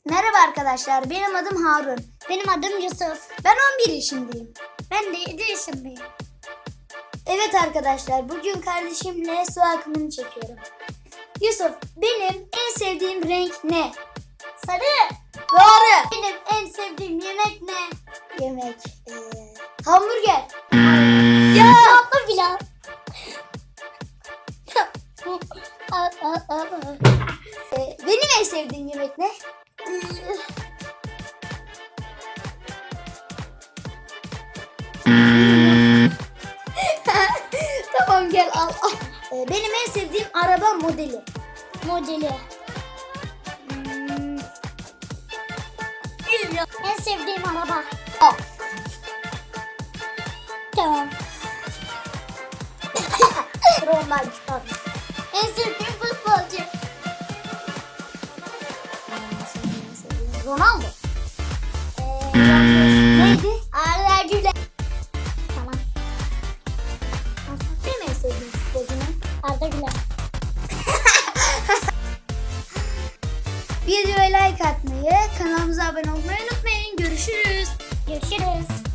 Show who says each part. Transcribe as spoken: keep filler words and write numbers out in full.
Speaker 1: Merhaba arkadaşlar, benim adım Harun.
Speaker 2: Benim adım Yusuf.
Speaker 1: Ben on bir yaşındayım.
Speaker 2: Ben de yedi yaşındayım.
Speaker 1: Evet arkadaşlar, bugün kardeşimle su akımını çekiyorum. Yusuf, benim en sevdiğim renk ne?
Speaker 2: Sarı.
Speaker 1: Doğru.
Speaker 2: Benim en sevdiğim yemek ne?
Speaker 1: Yemek. Ee, hamburger.
Speaker 2: Ya. Tatlı pilav.
Speaker 1: Ee, benim en sevdiğim yemek ne? Tamam gel al. al. Ee, benim en sevdiğim araba modeli.
Speaker 2: Modeli. Hmm. En sevdiğim araba.
Speaker 1: Al.
Speaker 2: Tamam.
Speaker 1: Normal pardon.
Speaker 2: En sevdiğim futbolcu.
Speaker 1: Ronaldo.
Speaker 2: Ee,
Speaker 1: Neydi?
Speaker 2: Arda Güler. Tamam.
Speaker 1: Benim en sevdiğim futbolcu ne?
Speaker 2: Arda Güler.
Speaker 1: Videoya like atmayı, kanalımıza abone olmayı unutmayın. Görüşürüz.
Speaker 2: Görüşürüz.